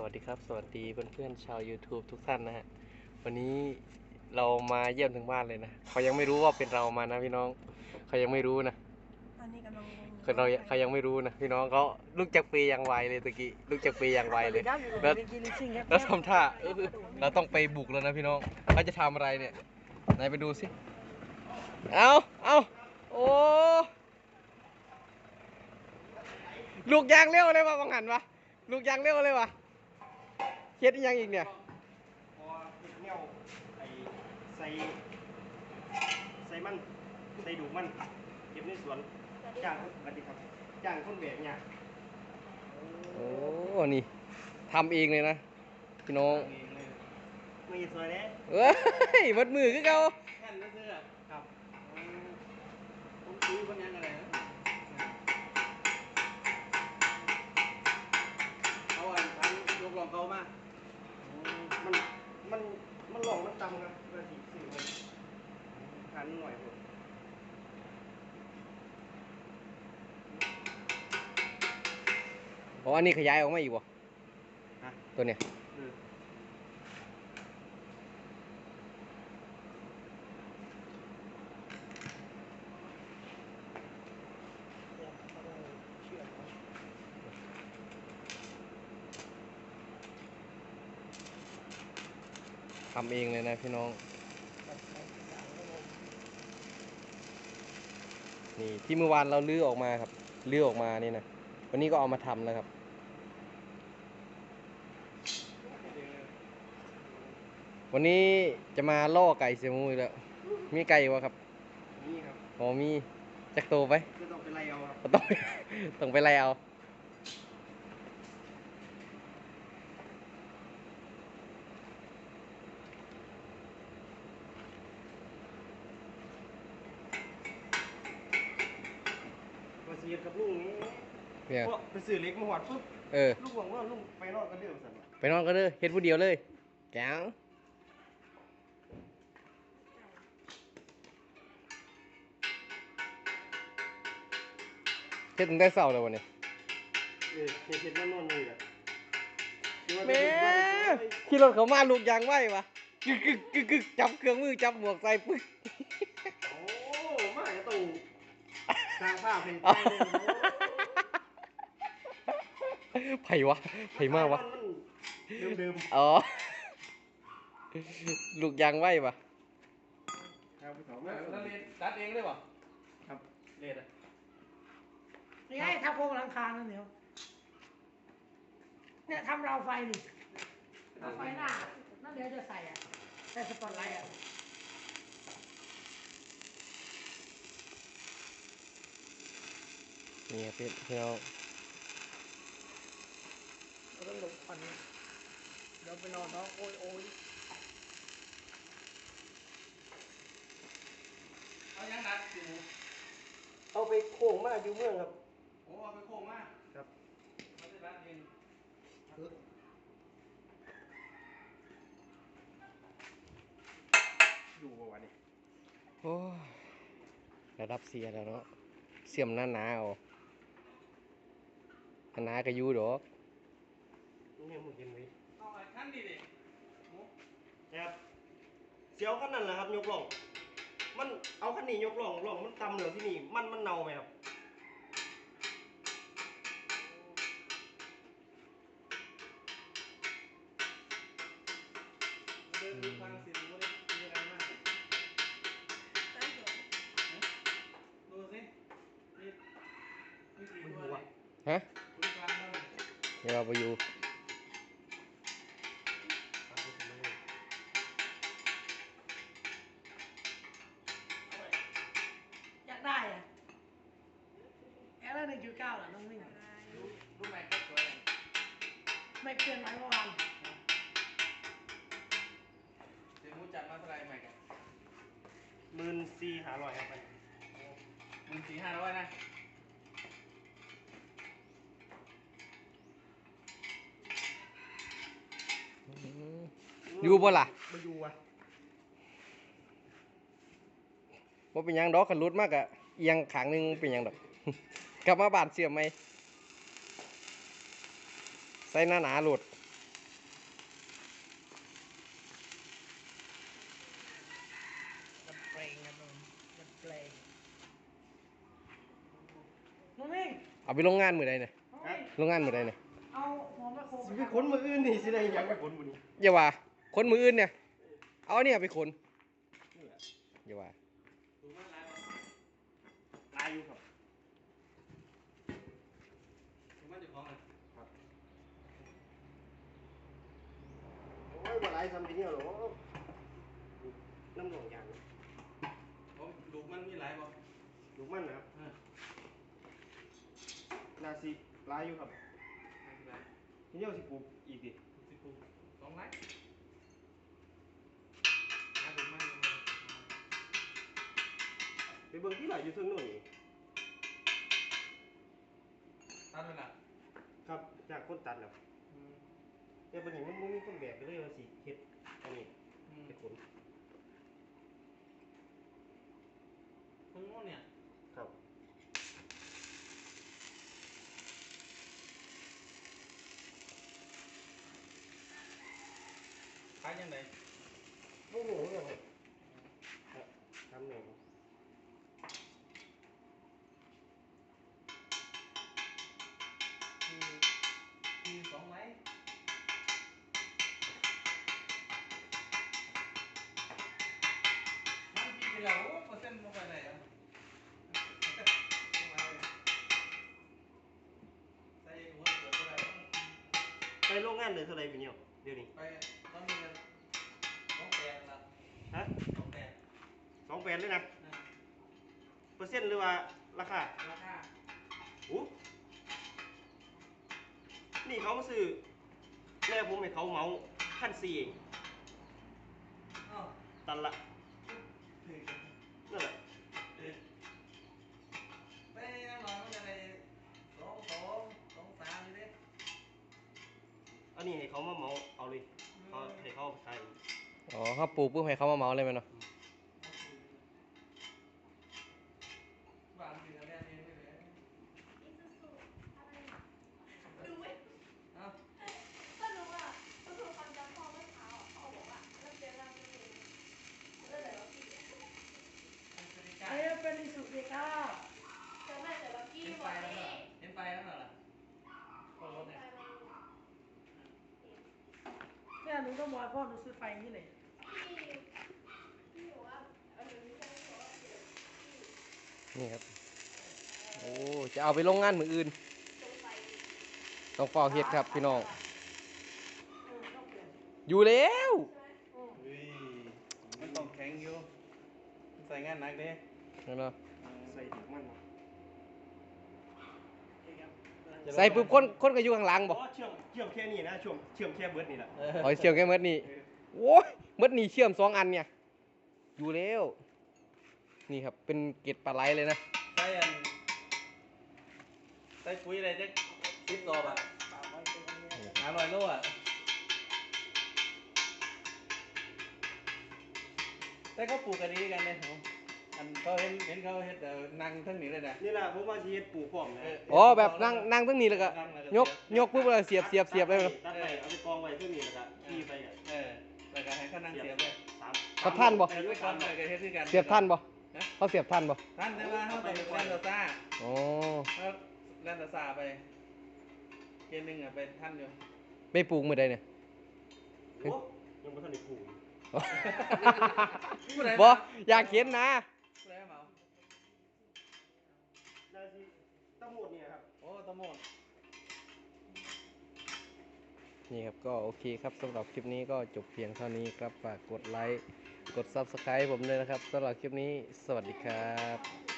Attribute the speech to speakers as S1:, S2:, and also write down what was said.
S1: วัสดีครับสวัสดีเพื่อนๆชาว YouTube ทุกท่านนะฮะวันนี้เรามาเยี่ยมถึงบ้านเลยนะเขายังไม่รู้ว่าเป็นเรามานะพี่น้องเขายังไม่รู้นะ
S2: ตอนนี้กำลังงง
S1: เขายังไม่รู้นะพี่น้องเขาลุกจากเปยอย่างไวเลยตะกี้ลุกจากเปยอย่างไวเลยแล้วทำท่าเราต้องไปบุกแล้วนะพี่น้องเขาจะทำอะไรเนี่ยไหนไปดูสิเอาโอ้ลูกยางเร็วเลยวะบังหันวะลูกยางเร็วเลยวะเฮ็ดยังอีกเนี่ย
S3: พอเห็ดเงี้ยวไอ้ใส่มันใส่ดูมันเก็บในสวนจ้างสวัสดีครับจ้างคนแบกเนี่ย
S1: โอ้นี่ทำเองเลยนะพี่น้อง
S3: ไม่สวยเลย
S1: เอ้ยมัดมือคือเขา
S3: แค่นเสื้อครับผมซื้อคนยังอะไรนะเขาอ่านทันยกลองเขามามันมันหลงมันจำครับเพื่อที่สื่อมันทันหน่อยผม
S1: อ๋ออันนี้ขยายออกมาอีกวะตัวเนี้ยทำเองเลยนะพี่น้องนี่ที่เมื่อวานเราลื้อออกมาครับลื้อออกมานี่นะวันนี้ก็เอามาทำแล้วครับวันนี้จะมาล่อไก่เสียมูอีกแล้วมีไก่วะครับ
S3: นี่ครับ
S1: อ๋อมีจักโตไป
S3: ก็ต้องไปไล่เอาครับ
S1: ต้องไปไล่เอา
S3: มาเสียกับลุงนี้
S1: เนี่ย
S3: ไปซื้อเล็กมาหอดปุ๊บลุงบอกว่าลุงไปนอนกันเดียวสั่น
S1: ไปนอนก็เด้อเฮ็ดผู้เดียวเลยแก้วเฮ็ดตั้งแต่เช้าแล้ววันนี้
S3: เห็นว่านอนเลยอ่ะ
S1: แม่ขี่รถเขามาลูกยางไหววะกึกจับเครื่องมือจับหมวกใส่ปึ๊ก
S3: โอ้มาจะต้องสร้างภาพเป็นใจเลย
S1: ไผ่วะไผ่มากวะ
S3: เดิม
S1: อ๋อลูกยางไหวปะ
S3: ครับพี่สอง
S1: แล้วเรียนตัดเองได้ปะ
S3: ครับเรียนอ่ะ
S2: นี่ไงทำโครงหลังคานั่นเดียวเนี่ยทำราวไฟดิราวไฟหน้านั่นเดี๋ยวจะใส่อ่ะใส่สปอตไลท์อ่ะ
S1: นี่ครับพี่น้อง
S2: เราต้องหลบควันเดี๋ยวไปนอนเนาะโอ้ย
S3: เอายังดัดอยู่เอาไปโค้งมาอยู่เมืองครับโอ้เอาไปโค้งมาครับไม่ได้ดัดเองอยู่ประวัตินี้
S1: โอ้ระดับเสียแล้วเนาะเสื่อมหน้าเอาหนาก็อยู่ดอก
S3: นี่มึงเห็นไหมเอาไอ้ขั้นดีดิครับเสียวขั้นนั้นแหละครับยกล่องมันเอาขั้นนี้ยกล่องมันตำเหลือที่นี่มันเน่าไหมครับเดินดูฟังสิว่ามีอะไรมากดูสิมีกี่ตัวเลย
S1: ฮะเดี๋ยวเราไปอยู่
S2: อยากได้อ่ะแอร์1.9เหรอน้องมิ่ง
S3: รู้ไหมก็สวยเลย
S2: ไม่เปลี่ยนไหมเมื่อวาน
S3: เดี๋ยวมูจัดมาเท่าไรใหม่กัน14,500ครับ14,500นะ
S1: อยู่บ่ล่ะ
S3: มาอยู่อ่ะ
S1: ว่าเป็นยังดอกขันรุดมากอะเอียงขางนึงเป็นยังดอก กลับมาบานเสียมไหมใส่หน้าหนาหลุดเอาไปโรงงานมื้อใดเนี่ย
S2: เฮ้ย
S1: โรงงานมื้อใดเนี่ย
S2: เอาหัวแม่โค
S3: สิไปขนมืออื่นนี่สิได้หยังไปขนบุนี่
S1: อย่าว่าคนมืออื่นเนี่ยเอาเนี่ยไปขนอย่าว่า
S3: ลายอยู่ครับ โอ้ยบ่หลายซ้ำทีเดียวหรอกน้ำหนองยาง
S1: ลูกมันมีหลายบ่
S3: ลูกมันนะครับนาสิลายอยู่ครับทีเดียวสิปลูกอีกดิ
S1: 2 ไร่
S3: ไปเบิ่งที่ไหนอยู่เทิงโน่นนี่
S1: ตัดไปละ
S3: ครับจากคนตัดแล้วแต่ปัญหามันบ่มีคนแบกไปเลยว่าสิเฮ็ดอันนี้เฮ็ดขน
S1: ตรงโน้นเนี่ย
S3: ครับ
S1: ขายยังไง
S3: บ่รู้เหมือนกันครับทำแนว
S1: คือ2 ไร่มันกี่กิโลเปอร์เซ็นต์ลงไปไหนอ่ะใส่หัวเสือเท่าไหร่
S3: ไปโรงงานเลยเท่าไหร่พี่เนี่ยเดี๋ยวนี้
S1: ไปตอนนี้2 8ละ
S3: ฮะ
S1: 2 8
S3: 28เลยนะเปอร์เซ็นต์หรือว่าราคา
S1: ราคา
S3: อู้นี่เขามาซื้อแม่ผมให้เขาเหมา1,400เอง
S1: อ้าว
S3: ตันละ
S1: ถึง
S3: นั่นแหละ
S1: ไปยังหน่อยมันจะได้2 3อยู่ดิ
S3: อันนี้ให้เขามาเหมาเอาเลยเขาให้เขาใส่
S1: อ๋อเขาปลูกปุ๊บให้เขามาเมาเลยมั้ยเนาะบ้านเป็นอะไรนี่ไม่เลยเอ้า
S4: ก็รู้อ่ะก็คือความจำพ่อเมื่อเช้าอ่ะพ่อบอกว่าเริ่มเจอเราไม่รู้เริ่มแต่เราพี่
S2: เอ้ยเป็นอิสุดีค่ะ
S4: เจอแม่แต่เราพี่
S1: เห็น
S4: หม
S1: ไฟ
S4: ด
S1: แล้ว
S4: เล
S1: เหรอย เห็นไฟแล้วเหรอก็รถเนี่ย
S2: เนี่ยหนูต้องบอกให้พ่อหนูซื้อไฟนี่เลย
S4: พี่บอกว่าไม่ใช่เพราะว่าเดี๋ยว
S1: นี่ครับโอ้จะเอาไปโรงงานมืออื่น
S4: ตรงไป
S1: ต้องฟอกเฮ็ดครับพี่น้อง
S2: ต้องเปลี่ยน
S1: อยู่แล้ว
S5: อุ้ยมันต้องแข็งอยู่มันใส่งานหนักเด้
S1: นั่นเนาะ
S3: ใส่ถุงมันมา
S1: ใส่ปุ๊บคนก็อยู่ข้างหลังบ่
S3: อ๋อเชื่อมแค่นี้นะเชื่อมแค่เบิร์ดนี่แหละ
S1: อ๋อเชื่อมแค่เม็ดนี่โอ้ยเม็ดนี่เชื่อม2 อันเนี่ยอยู่แล้วนี่ครับเป็นเกล็ดปลาไหลเลยนะ
S5: ใส่อันใส่ปุ๋ยอะไรจะ10 ตัวอ่ะ500 โลอ่ะแต่เขาปลูกกันดีกันเนี่ยอันเขาเห็นเขาเห็นนั่งทั้งนี้เลยนะ
S3: นี่แหละผมว่าสิเฮ็ดปลูกพร้อมนะ
S1: อ๋อแบบนั่งตรงนี้แล้วก็ยกปุ๊บแล้วเสียบเลยเนาะ
S3: ตัดไปเอาไปกองไว้เท่านี้แล้วก็ขี่ไปอ่ะ
S5: แล้วก็ให้เขานั่งเสียบเลย
S3: สาม
S1: เขาท่านบ่
S5: เสียบไว้ก่อนเลยก็เฮ็ดด้วยกัน
S1: เสียบท่านบ่เขาเสียบท่านบ่
S5: ท่านแต่ว่าเขาต้องเล่นโดซ่า
S1: อ๋อ
S5: เขาเล่นโดซ่าไปเกมหนึงอ่ะไปท่านอยู่
S1: ไม่ปลูกมื้อใดเนี่ย
S3: โอ้ยังไม่ทันได้ปลูก
S1: บ่อยากเห็นนะ
S5: ผู้ใดเหมา
S3: ได้สิทั้งหมดเนี่ยครับ
S5: โอ้ตะโมด
S1: นี่ครับก็โอเคครับสำหรับคลิปนี้ก็จบเพียงเท่านี้ครับฝากกดไลค์กด Subscribe ผมด้วยนะครับสำหรับคลิปนี้สวัสดีครับ